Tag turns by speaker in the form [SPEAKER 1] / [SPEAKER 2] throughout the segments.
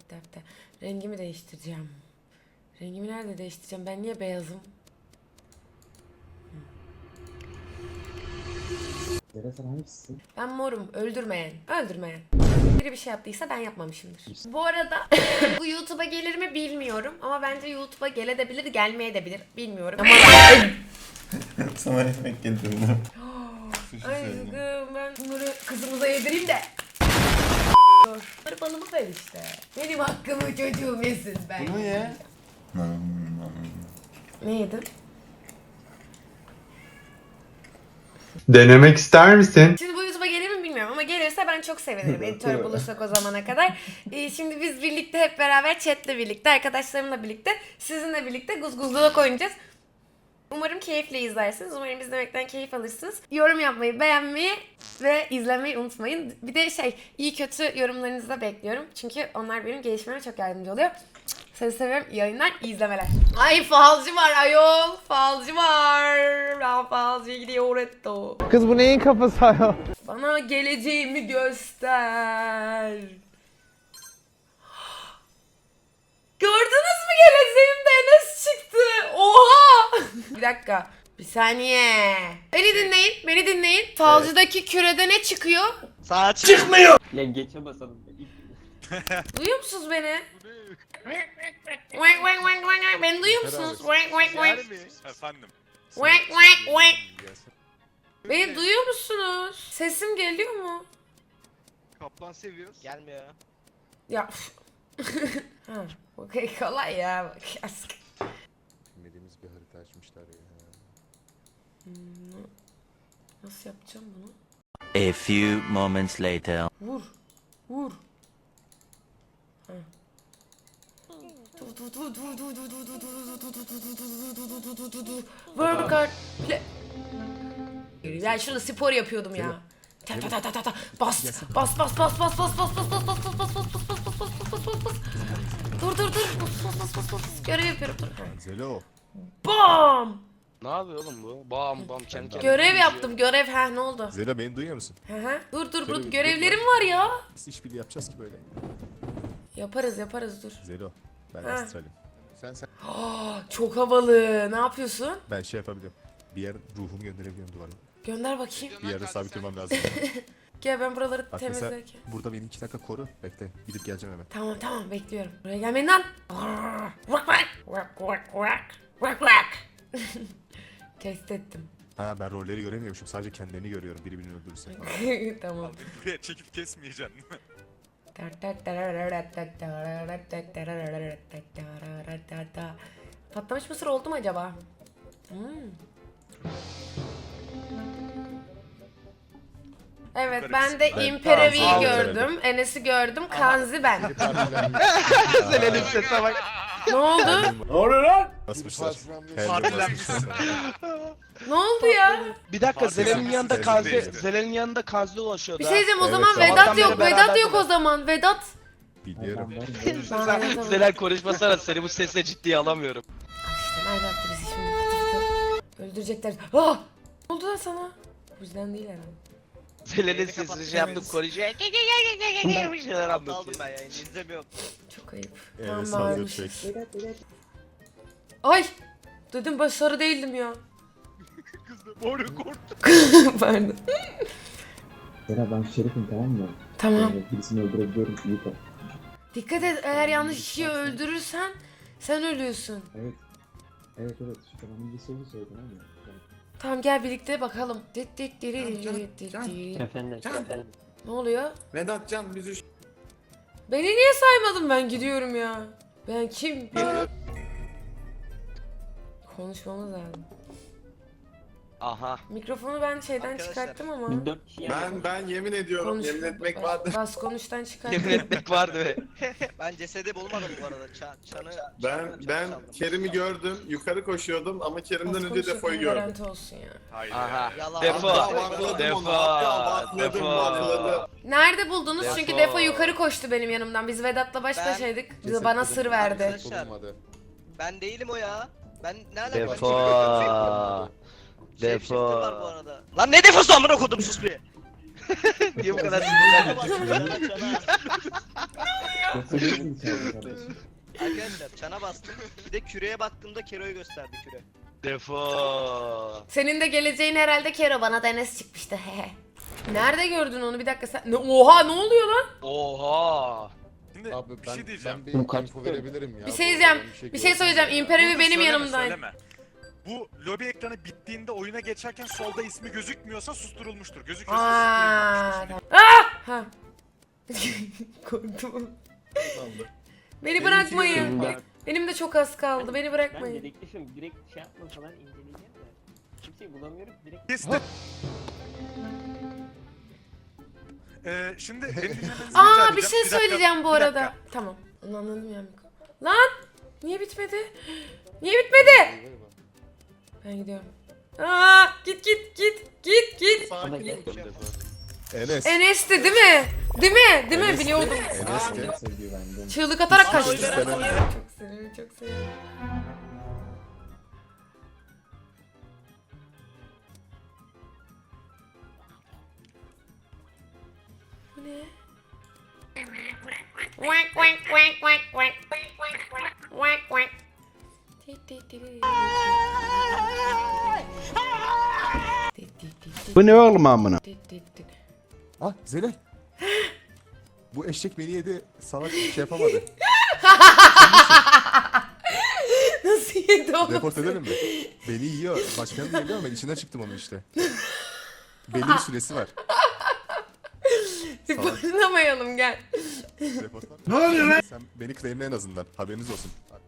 [SPEAKER 1] Defter. Rengimi değiştireceğim. Rengimi nerede değiştireceğim? Ben niye beyazım?
[SPEAKER 2] Zehra sen hangisisin?
[SPEAKER 1] Ben morum. Öldürmeyen. Öldürmeyen. Biri bir şey yaptıysa ben yapmamışımdır. Bu arada bu YouTube'a gelir mi bilmiyorum. Ama bence YouTube'a gelebilir, gelmeyebilir. Bilmiyorum. Ama
[SPEAKER 3] Sana ekmek getirdim.
[SPEAKER 1] ay ben bunları kızımıza yedireyim de. Dur. Bunları balımı ver işte. Benim hakkımı çocuğum yesin ben.
[SPEAKER 3] Bunu ye.
[SPEAKER 1] Ne yedin?
[SPEAKER 4] Denemek ister misin?
[SPEAKER 1] Şimdi bu YouTube'a gelir mi bilmiyorum ama gelirse ben çok sevinirim. Editör bulursak o zamana kadar. Şimdi biz birlikte hep beraber chatle birlikte, arkadaşlarımla birlikte, sizinle birlikte guzguzluğa oynayacağız. Umarım keyifle izlersiniz. Umarım izlemekten keyif alırsınız. Yorum yapmayı, beğenmeyi ve izlemeyi unutmayın. Bir de iyi kötü yorumlarınızı da bekliyorum. Çünkü onlar benim gelişmeme çok yardımcı oluyor. Sizi seviyorum. İyi yayınlar, iyi izlemeler. Ay falcı var ayol. Falcı var. Ben falcıya gidiyor Retto.
[SPEAKER 5] Kız bu neyin kafası ayol?
[SPEAKER 1] Bana geleceğimi göster. Gördünüz mü geleceğimde Enes çıktı. Oha. Bir dakika. Bir saniye. Beni dinleyin. Beni dinleyin. Falcıdaki kürede ne çıkıyor?
[SPEAKER 6] Sağa çıkmıyor.
[SPEAKER 7] Ya geçe basalım.
[SPEAKER 1] Duyuyor musunuz beni? Wank wank wank wank. Beni duyuyor musunuz? Wank wank wank.
[SPEAKER 8] Efendim.
[SPEAKER 1] Wank wank wank. Beni duyuyor musunuz? Sesim geliyor mu?
[SPEAKER 8] Kaplan seviyoruz.
[SPEAKER 6] Gelmiyor.
[SPEAKER 1] Ya. Ha, okey kolay ya. Bak.
[SPEAKER 2] Bilmediğimiz bir harita açmışlar ya.
[SPEAKER 1] Nasıl yapacağım bunu?
[SPEAKER 9] A few moments later.
[SPEAKER 1] Vur. Vur. Ha. Vur bir kart. Ya şurada spor yapıyordum ya. Ta ta ta ta ta. Bas. Bas bas bas bas bas bas bas bas bas bas bas bas bas bas bas bas bas bas. Dur dur dur. Bas bas bas bas. Görev yapıyorum dur.
[SPEAKER 2] Zelo.
[SPEAKER 1] Bam.
[SPEAKER 6] Ne yapıyor oğlum bu? Bam bam kendi kendine.
[SPEAKER 1] Görev yaptım görev. Ha ne oldu?
[SPEAKER 2] Zelo beni duyuyor musun?
[SPEAKER 1] Hı hı. Dur dur
[SPEAKER 2] Şöyle
[SPEAKER 1] dur
[SPEAKER 2] bir
[SPEAKER 1] görevlerim var ya.
[SPEAKER 2] Biz işbirliği yapacağız ki böyle.
[SPEAKER 1] Yaparız yaparız dur.
[SPEAKER 2] Zelo. Ben
[SPEAKER 1] Ha.
[SPEAKER 2] astralim. Sen.
[SPEAKER 1] Çok havalı. Ne yapıyorsun?
[SPEAKER 2] Ben şey yapabiliyorum. Bir yer ruhumu gönderebiliyorum duvarına.
[SPEAKER 1] Gönder bakayım.
[SPEAKER 2] Bir yerde sabit durmam lazım.
[SPEAKER 1] Gel ben buraları
[SPEAKER 2] Bak mesela
[SPEAKER 1] temizlerken.
[SPEAKER 2] burada beni 2 dakika koru. Bekle. Gidip geleceğim hemen.
[SPEAKER 1] Tamam tamam bekliyorum. Buraya gelmeyin lan. Vak vak. Vak vak vak. Vak vak. Test ettim.
[SPEAKER 2] Ha ben rolleri göremiyormuşum. Sadece kendilerini görüyorum. Biri birini öldürürse.
[SPEAKER 1] Tamam.
[SPEAKER 8] Buraya çekip kesmeyeceksin değil mi?
[SPEAKER 1] Patlamış mısır oldu mu acaba? Evet ben de İmperavi'yi gördüm, Enes'i gördüm, Kanzi ben.
[SPEAKER 6] Selen'in sesine bak.
[SPEAKER 1] Ne oldu?
[SPEAKER 2] Basmışlar.
[SPEAKER 8] Partilenmişsin.
[SPEAKER 1] Ne oldu ya?
[SPEAKER 6] Bir dakika Zelen'in yanında Kazi,
[SPEAKER 8] Zelen'in
[SPEAKER 6] Zelen'in yanında Kazi dolaşıyordu.
[SPEAKER 1] Bir şey diyeceğim o
[SPEAKER 2] Evet,
[SPEAKER 1] zaman
[SPEAKER 2] sabahtan
[SPEAKER 1] Vedat
[SPEAKER 6] beri
[SPEAKER 1] yok, Vedat yok o
[SPEAKER 6] beraberdiler.
[SPEAKER 1] zaman, Vedat.
[SPEAKER 2] Biliyorum.
[SPEAKER 6] Zelen konuşmasana seni bu sesle ciddiye alamıyorum.
[SPEAKER 1] İşte nerede attı bizi şimdi? Fıtı fıtı. Öldürecekler. Ah! Ne oldu lan sana? Bu yüzden değil herhalde.
[SPEAKER 6] Zelen'in sesini şey yaptım konuşuyor. Bir şeyler anlatıyor. Ben yani izlemiyorum.
[SPEAKER 1] Çok ayıp.
[SPEAKER 2] Evet,
[SPEAKER 1] Tamam
[SPEAKER 2] hazır
[SPEAKER 1] bağırmışız.
[SPEAKER 2] çek.
[SPEAKER 1] Ay! Dedim ben sarı değildim ya.
[SPEAKER 8] Kız da boru korktu.
[SPEAKER 1] Pardon.
[SPEAKER 2] Zelo ben şerifim tamam mı?
[SPEAKER 1] Tamam.
[SPEAKER 2] Birisini öldürebiliyorum. İyi bak.
[SPEAKER 1] Dikkat et eğer yanlış kişiyi öldürürsen sen ölüyorsun.
[SPEAKER 2] Evet. Evet. Şu tamamın bir soru söyledin ama.
[SPEAKER 1] Tamam gel birlikte bakalım.
[SPEAKER 7] Efendim. Efendim.
[SPEAKER 1] Ne oluyor?
[SPEAKER 3] Vedat Can biz üç.
[SPEAKER 1] Beni niye saymadın ben gidiyorum ya. Ben kim? Konuşmamız lazım.
[SPEAKER 6] Aha.
[SPEAKER 1] Mikrofonu ben şeyden
[SPEAKER 6] Arkadaşlar,
[SPEAKER 1] çıkarttım ama.
[SPEAKER 7] 4 kişi yapalım.
[SPEAKER 3] Ben yemin ediyorum.
[SPEAKER 1] Konuş.
[SPEAKER 3] Yemin etmek vardır.
[SPEAKER 1] Bas konuştan çıkarttım.
[SPEAKER 6] Yemin etmek vardı be.
[SPEAKER 10] Ben cesedi bulmadım bu arada. Çanı
[SPEAKER 3] Ben Kerim'i gördüm. Yukarı koşuyordum ama Kerim'den önce Defo'yu gördüm.
[SPEAKER 1] Garanti olsun ya.
[SPEAKER 8] Hayır.
[SPEAKER 6] Aha.
[SPEAKER 10] Yalan.
[SPEAKER 6] Defo.
[SPEAKER 3] Hatta bakladım onu. Hatta bakladım.
[SPEAKER 1] Nerede buldunuz?
[SPEAKER 6] Defo.
[SPEAKER 1] Çünkü Defo yukarı koştu benim yanımdan. Biz Vedat'la baş
[SPEAKER 10] Ben-
[SPEAKER 1] başaydık. Bize bana sır verdi.
[SPEAKER 10] Arkadaşlar ben değilim o ya. Ben ne alakam
[SPEAKER 6] Defo.
[SPEAKER 10] var bu arada. Lan ne defosu amına kodum sus bir.
[SPEAKER 6] Niye bu kadar sinirlendin?
[SPEAKER 2] Yapabilirsin içeride kardeşim.
[SPEAKER 10] Arkadaşlar çana bastım. Bir de küreye baktığımda Kero'yu gösterdi küre.
[SPEAKER 6] Defo.
[SPEAKER 1] Senin de geleceğin herhalde Kero, bana da Enes çıkmıştı. Hehe. Nerede gördün onu, bir dakika sen? Oha, ne oluyor lan?
[SPEAKER 6] Oha.
[SPEAKER 8] Şimdi
[SPEAKER 4] Abi
[SPEAKER 8] bir
[SPEAKER 4] ben,
[SPEAKER 8] şey diyeceğim.
[SPEAKER 4] ben bir
[SPEAKER 2] Bunu kaç
[SPEAKER 4] info
[SPEAKER 2] tutuyor?
[SPEAKER 4] verebilirim ya.
[SPEAKER 1] Bir
[SPEAKER 4] bu
[SPEAKER 1] şey
[SPEAKER 4] arada,
[SPEAKER 1] diyeceğim.
[SPEAKER 4] ben
[SPEAKER 1] Bir şey söyleyeceğim.
[SPEAKER 4] gördüm ya.
[SPEAKER 1] İmparavi
[SPEAKER 8] Dur,
[SPEAKER 1] benim
[SPEAKER 8] söyleme,
[SPEAKER 1] yanımdaydı.
[SPEAKER 8] söyleme. Bu lobi ekranı bittiğinde oyuna geçerken solda ismi gözükmüyorsa susturulmuştur. Gözüküyorsa
[SPEAKER 1] Aa,
[SPEAKER 8] susturulmamıştır.
[SPEAKER 1] Ha. Korktum. Beni
[SPEAKER 3] Benimki
[SPEAKER 1] bırakmayın.
[SPEAKER 3] yok.
[SPEAKER 1] Benim de çok az kaldı. Beni
[SPEAKER 7] Ben
[SPEAKER 1] bırakmayın.
[SPEAKER 7] dedektifim. Direkt şey yapmasalar inceleyeceğim de. Kimseyi bulamıyorum. Direkt
[SPEAKER 8] Kestim. Şimdi benim dinlemenizi rica
[SPEAKER 1] Aa,
[SPEAKER 8] edeceğim.
[SPEAKER 1] bir şey
[SPEAKER 8] dakika,
[SPEAKER 1] söyleyeceğim bu
[SPEAKER 8] bir
[SPEAKER 1] arada.
[SPEAKER 8] dakika.
[SPEAKER 1] Tamam. Onu anladım ya. Lan! Niye bitmedi? Niye bitmedi? Ben gidiyorum. Aa, git.
[SPEAKER 3] Sakin ol.
[SPEAKER 4] Enes.
[SPEAKER 1] Enes'ti değil mi? Değil mi?
[SPEAKER 4] Enes'ti.
[SPEAKER 1] Biliyordum.
[SPEAKER 4] Enes'ti.
[SPEAKER 2] Neyse güvendim.
[SPEAKER 1] Çığlık atarak
[SPEAKER 3] Aa,
[SPEAKER 1] kaçtı.
[SPEAKER 3] öyle
[SPEAKER 1] Çok
[SPEAKER 4] ben-
[SPEAKER 1] seviyorum, çok seviyorum. Bu ne? Wank wank wank wank wank wank wank.
[SPEAKER 5] Bu ne oğlum amına?
[SPEAKER 4] Ah Zelal. Bu eşek beni yedi. Salak şey yapamadı.
[SPEAKER 1] Nasıl yedi onu?
[SPEAKER 4] Report edelim mi? Beni yiyor. Başkanı da yiyor ama ben içinden çıktım onun işte. Belli bir süresi var.
[SPEAKER 1] Reportlamayalım, gel.
[SPEAKER 4] Report var. Ne oluyor lan? Sen beni claimle en azından. Haberiniz olsun.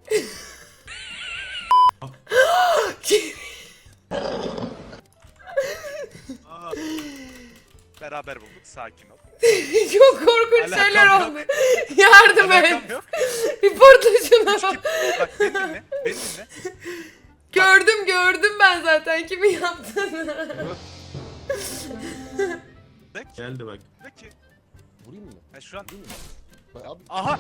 [SPEAKER 8] Beraber bulduk. Sakin ol.
[SPEAKER 1] Çok korkunç
[SPEAKER 8] Alakam
[SPEAKER 1] şeyler
[SPEAKER 8] yok.
[SPEAKER 1] oldu. Yardım et.
[SPEAKER 8] Alakam yok.
[SPEAKER 1] Reportla şunu.
[SPEAKER 8] Bak beni dinle. Beni dinle.
[SPEAKER 1] Gördüm ben zaten kimin yaptığını.
[SPEAKER 3] Geldi bak.
[SPEAKER 8] De ki.
[SPEAKER 4] Vurayım mı?
[SPEAKER 8] Ha, şu an.
[SPEAKER 4] Bak abi.
[SPEAKER 8] Aha.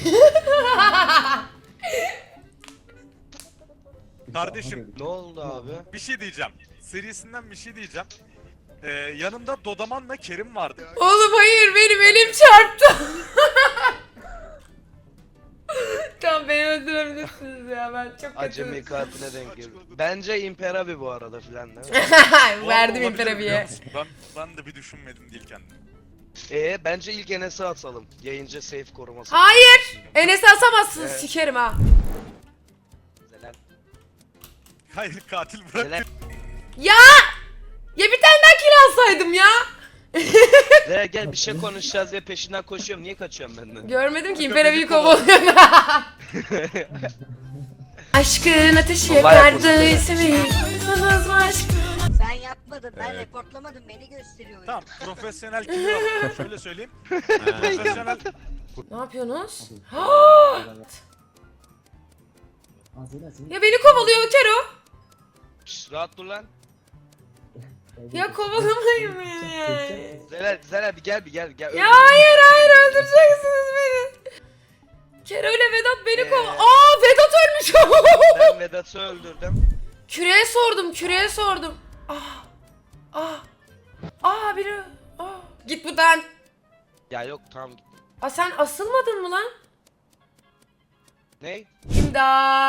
[SPEAKER 8] Kardeşim
[SPEAKER 6] Ne oldu abi?
[SPEAKER 8] bir şey diyeceğim. Serisinden bir şey diyeceğim. Yanımda Dodaman'la Kerim vardı.
[SPEAKER 1] Oğlum hayır, benim elim çarptı. Tamam, beni öldürebilirsiniz ya, ben çok
[SPEAKER 6] Acemi
[SPEAKER 1] kötüyüm.
[SPEAKER 6] katiline denk geldi. Bence Imperavi bu arada filan değil mi?
[SPEAKER 8] Bu arada
[SPEAKER 1] Verdim
[SPEAKER 8] olabilir
[SPEAKER 1] imparaviye.
[SPEAKER 8] biliyor musun? Ben de bir düşünmedim değil kendim.
[SPEAKER 6] Bence ilk Enes'e atalım. Yayıncı safe koruması.
[SPEAKER 1] Hayır! Enes'i asamazsınız,
[SPEAKER 6] Evet.
[SPEAKER 1] sikerim ha.
[SPEAKER 6] Zelal.
[SPEAKER 8] Hayır katil bırak.
[SPEAKER 6] Zelal.
[SPEAKER 1] Ya! Ya bir tane daha kill alsaydım ya.
[SPEAKER 6] Zelal gel bir şey konuşacağız ve peşinden koşuyorum. Niye kaçıyorsun benden?
[SPEAKER 1] Görmedim ki
[SPEAKER 8] Imparavi'yi
[SPEAKER 1] imparaviyi kovalıyor. Aşkın ateşi yakardı ismi. Sanız mı aşk?
[SPEAKER 11] Sen yapmadın, ben reportlamadım, beni gösteriyor.
[SPEAKER 8] Tamam profesyonel killer var. Şöyle söyleyeyim. Profesyonel.
[SPEAKER 1] Ne yapıyorsunuz?
[SPEAKER 2] Aa Zelal seni...
[SPEAKER 1] Ya beni kovalıyor Kero.
[SPEAKER 6] Şşş, rahat dur lan.
[SPEAKER 1] Ya kovalamayın beni ya.
[SPEAKER 6] Zelal bir gel.
[SPEAKER 1] Ya hayır öldüreceksiniz beni. Kero ile Vedat beni Aa, Vedat ölmüş.
[SPEAKER 6] Ben Vedat'ı öldürdüm.
[SPEAKER 1] Küreye sordum. Biri. Git buradan.
[SPEAKER 6] Ya yok tamam git.
[SPEAKER 1] Sen asılmadın mı lan?
[SPEAKER 6] Ne?
[SPEAKER 1] İmdat.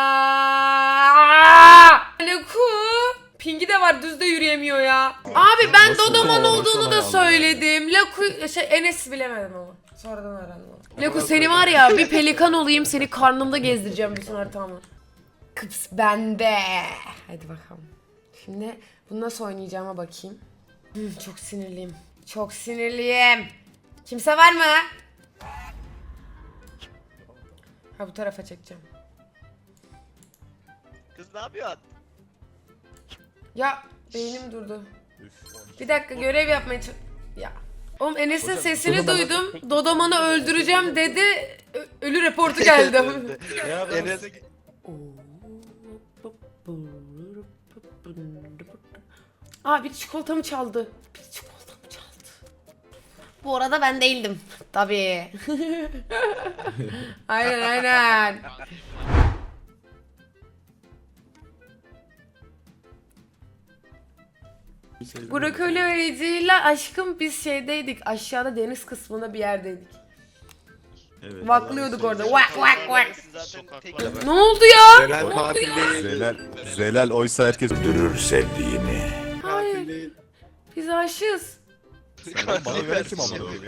[SPEAKER 1] Leku. Pingi de var, düz de yürüyemiyor ya. Abi ben
[SPEAKER 4] Nasıl
[SPEAKER 1] Dodoman
[SPEAKER 4] ya?
[SPEAKER 1] olduğunu da
[SPEAKER 4] Nasıl
[SPEAKER 1] söyledim. Leku Enes bilemedim ama. Sonradan öğrendim. Leku seni var ya, bir pelikan olayım, seni karnımda gezdireceğim bütün haritamı. Kıps bende. Hadi bakalım. Şimdi bunu nasıl oynayacağıma bakayım. Çok sinirliyim. Çok sinirliyim. Kimse var mı? Ha, bu tarafa çekeceğim.
[SPEAKER 10] Kız ne yapıyorsun?
[SPEAKER 1] Ya beynim durdu. Bir dakika, görev yapmaya Ya. Oğlum Enes'in sesini duydum. Dodoman'ı öldüreceğim dedi. Ölü reportu geldi.
[SPEAKER 6] Enes
[SPEAKER 1] Biri çikolatamı çaldı. Bu arada ben değildim. Tabii. Aynen. Brokoli ve Ece ile aşkım biz şeydeydik. Aşağıda deniz kısmında bir yerdeydik.
[SPEAKER 2] Evet.
[SPEAKER 1] Vaklıyorduk orada. Vak vak vak.
[SPEAKER 10] Zaten tek
[SPEAKER 1] Ne oldu ya?
[SPEAKER 3] Zelal katil değil.
[SPEAKER 4] Zelal oysa herkes
[SPEAKER 9] Öldürür sevdiğini.
[SPEAKER 1] Hayır.
[SPEAKER 3] Katil değil.
[SPEAKER 1] Biz aşığız.
[SPEAKER 4] bana ver kim amına koyayım ya?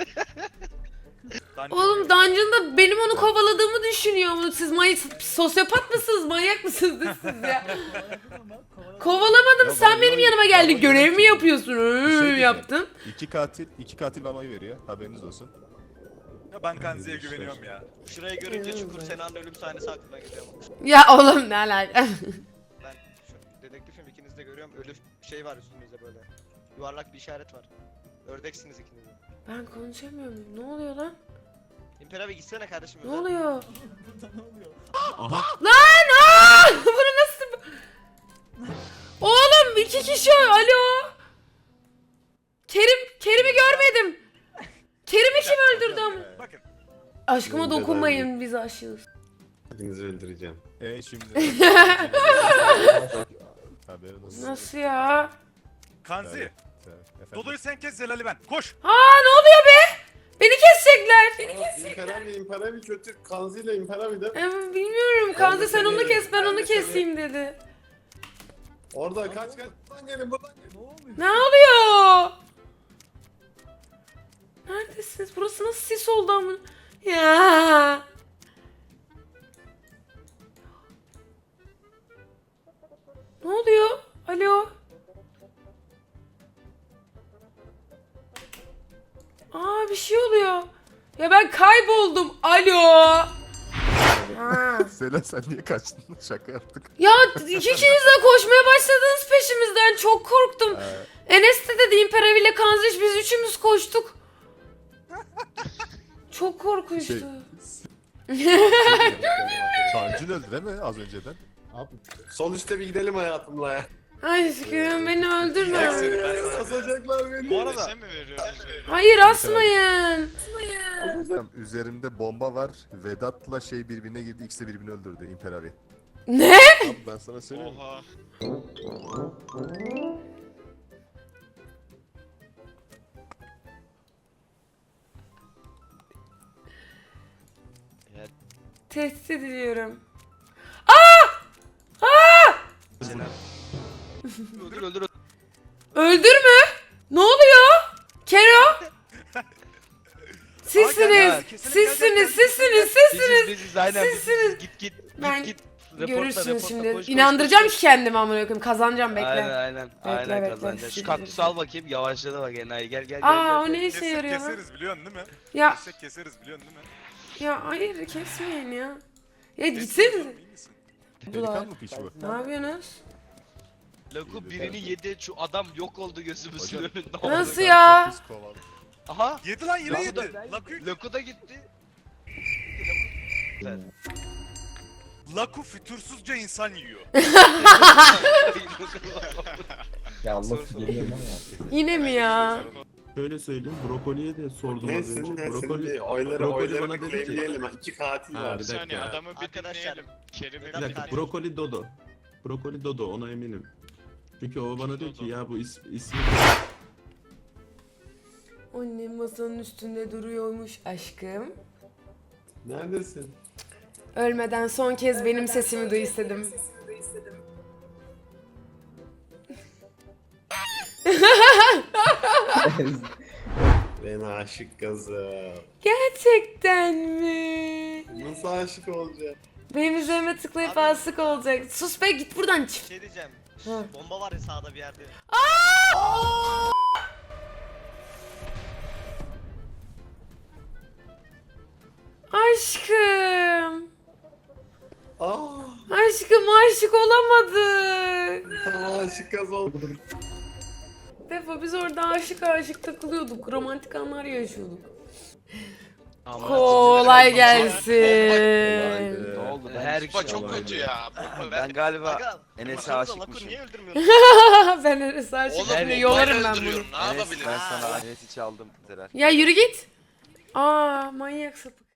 [SPEAKER 1] Oğlum Dungeon'da benim onu kovaladığımı düşünüyor. Siz sosyopat mısınız? Manyak mısınız siz ya? Kovalamadım.
[SPEAKER 4] Ya
[SPEAKER 1] Sen
[SPEAKER 4] bana
[SPEAKER 1] benim
[SPEAKER 4] oy-
[SPEAKER 1] yanıma geldin.
[SPEAKER 4] bana
[SPEAKER 1] Görev
[SPEAKER 4] oy-
[SPEAKER 1] mi yapıyorsun?
[SPEAKER 4] diyeceğim.
[SPEAKER 1] Yaptım.
[SPEAKER 4] İki katil bana oy veriyor. Haberiniz olsun.
[SPEAKER 8] Ya ben Kanzi'ye güveniyorum ya.
[SPEAKER 10] şurayı görünce Çukur Sena'nın ölüm sahnesi aklıma geliyor.
[SPEAKER 1] Ya oğlum ne alaka?
[SPEAKER 10] Ben şu dedektifim, ikiniz de görüyorum. Ölü şey var üstünüzde böyle. Yuvarlak bir işaret var. Ördeksiniz ikiniz de.
[SPEAKER 1] Ben konuşamıyorum. Ne oluyor lan?
[SPEAKER 10] İmper abi gitsene kardeşim.
[SPEAKER 1] Ne
[SPEAKER 10] özel.
[SPEAKER 1] oluyor?
[SPEAKER 2] Aha.
[SPEAKER 1] Lan! Aa! Bunu nasıl... Oğlum 2 kişi alo. Kerim'i görmedim. Kerim'i kim öldürdü ama?
[SPEAKER 8] Bakın.
[SPEAKER 1] Aşkıma dokunmayın, biz aşığız.
[SPEAKER 3] Hepinizi öldüreceğim.
[SPEAKER 4] Şimdi. Haberin olsun.
[SPEAKER 1] Nasıl ya?
[SPEAKER 8] Kanzi.
[SPEAKER 4] Evet, efendim.
[SPEAKER 8] Dodo'yu sen kes, Zelal'i ben. Koş.
[SPEAKER 1] Aa ne oluyor be? Beni kesecekler.
[SPEAKER 3] İmparavi kötü. Kanzi ile İmparavi de.
[SPEAKER 1] Bilmiyorum. Kanzi sen onu kes, ben onu keseyim dedi.
[SPEAKER 3] Orada kaç. Buradan gelin buradan gelin.
[SPEAKER 1] Ne oluyor? Neredesiniz? Burası nasıl sis oldu ama? Ya. Ne oluyor? Alo. Aa bir şey oluyor. Ya ben kayboldum. Alo. Ha.
[SPEAKER 4] Zelal sen niye kaçtın? Şaka yaptık.
[SPEAKER 1] Ya ikiniz de koşmaya başladınız peşimizden. Çok korktum. Enes de dedi İmperav ile Kanziş biz üçümüz koştuk. Çok korkunçtu.
[SPEAKER 4] Kancın öldü değil mi az önceden?
[SPEAKER 2] Abi
[SPEAKER 3] Sol üstte bir gidelim hayatımla ya.
[SPEAKER 1] Aşkım beni öldürme.
[SPEAKER 3] Asacaklar beni.
[SPEAKER 8] Bu arada
[SPEAKER 1] Hayır asmayın.
[SPEAKER 4] Üzerimde bomba var. Vedat'la şey birbirine girdi. İkisi de birbirini öldürdü. İmperavi.
[SPEAKER 1] Ne?
[SPEAKER 4] Abi ben sana söyleyeyim.
[SPEAKER 8] Oha.
[SPEAKER 1] Tehdit ediliyorum.
[SPEAKER 10] Öldür öldür.
[SPEAKER 1] Öldürme. Ne oluyor? Kero? Sizsiniz. Sizsiniz.
[SPEAKER 6] Biziz aynen
[SPEAKER 1] Sizsiniz.
[SPEAKER 6] Git
[SPEAKER 1] Ben-
[SPEAKER 6] git.
[SPEAKER 1] Görürsünüz şimdi.
[SPEAKER 6] Koş, koş,
[SPEAKER 1] İnandıracağım
[SPEAKER 6] koş,
[SPEAKER 1] ki kendimi amına koyayım. Kazanacağım
[SPEAKER 6] koş.
[SPEAKER 1] bekle.
[SPEAKER 6] Aynen
[SPEAKER 1] bekle.
[SPEAKER 6] kazanacağız. Şu kaktüsü al bakayım, yavaşladı bak enayi, gel.
[SPEAKER 1] Aa o
[SPEAKER 6] gel.
[SPEAKER 1] ne işe
[SPEAKER 8] Kesek
[SPEAKER 1] yarıyor lan?
[SPEAKER 8] keseriz biliyorsun değil mi?
[SPEAKER 1] Ya
[SPEAKER 8] Keseriz biliyorsun değil mi?
[SPEAKER 1] ya hayır kesmeyin ya. Ya
[SPEAKER 8] Keseriz
[SPEAKER 1] gitsenize.
[SPEAKER 8] oğlum, iyi misin?
[SPEAKER 4] Pelikan mı piç bu?
[SPEAKER 1] Ne yapıyorsunuz?
[SPEAKER 6] Laku birini yedi, şu adam yok oldu gözümüzün
[SPEAKER 4] Hocam.
[SPEAKER 6] önünde.
[SPEAKER 1] Nasıl ya?
[SPEAKER 4] Çok pis kovaldı.
[SPEAKER 6] Aha.
[SPEAKER 8] Yedi lan yine
[SPEAKER 6] Laku
[SPEAKER 8] yedi.
[SPEAKER 6] da-
[SPEAKER 8] Laku,
[SPEAKER 6] Laku da gitti.
[SPEAKER 8] Laku fütursuzca insan yiyor.
[SPEAKER 2] ya Allah geliyorum ama.
[SPEAKER 1] Yine mi ya?
[SPEAKER 2] Şöyle söyleyeyim, brokoliye de sordum az
[SPEAKER 3] Neyse
[SPEAKER 2] önce.
[SPEAKER 3] neyse.
[SPEAKER 2] Brokoli
[SPEAKER 3] Oyları
[SPEAKER 2] bana dedi ki-
[SPEAKER 3] claimleyelim. İki katil
[SPEAKER 2] Ha,
[SPEAKER 3] var.
[SPEAKER 2] bir dakika.
[SPEAKER 8] adamı bir
[SPEAKER 10] Arkadaşlar,
[SPEAKER 8] dinleyelim. Kerim'i
[SPEAKER 2] Bir dakika, brokoli Dodo. Brokoli Dodo, ona eminim. Çünkü o bana diyor ki ya bu ismi...
[SPEAKER 1] Annem masanın üstünde duruyormuş aşkım.
[SPEAKER 3] Neredesin?
[SPEAKER 1] Ölmeden son kez benim sesimi duy istedim.
[SPEAKER 3] Ben aşık kızım.
[SPEAKER 1] Gerçekten mi?
[SPEAKER 3] Nasıl aşık olacağım?
[SPEAKER 1] Benim üzerime tıklayıp
[SPEAKER 10] Abi-
[SPEAKER 1] asık olacak. Sus be git buradan çık.
[SPEAKER 10] Şey diyeceğim.
[SPEAKER 1] Ha.
[SPEAKER 10] Bomba var ya sağda bir yerde.
[SPEAKER 1] Aşkım.
[SPEAKER 3] Aa,
[SPEAKER 1] Aşkım aşık olamadık.
[SPEAKER 3] aşık kız oldum.
[SPEAKER 1] Defo biz orada aşık takılıyorduk. Romantik anlar yaşıyorduk.
[SPEAKER 6] Ama-
[SPEAKER 1] Kolay gelsin.
[SPEAKER 6] Ne oldu? Ben
[SPEAKER 10] Her
[SPEAKER 6] hiçbir şey
[SPEAKER 10] çok
[SPEAKER 6] anlamadım.
[SPEAKER 10] kötü
[SPEAKER 6] ya. Ben galiba
[SPEAKER 10] Aga,
[SPEAKER 6] Enes'e
[SPEAKER 10] baksanıza
[SPEAKER 6] aşıkmışım.
[SPEAKER 10] Laku niye öldürmüyorsun?
[SPEAKER 1] Ben Enes'e aşık
[SPEAKER 6] Oğlum,
[SPEAKER 1] şimdi yolarım ben bunu.
[SPEAKER 6] Enes ben sana Enes'i çaldım Zeral.
[SPEAKER 1] Ya yürü git. Aa manyak sapık.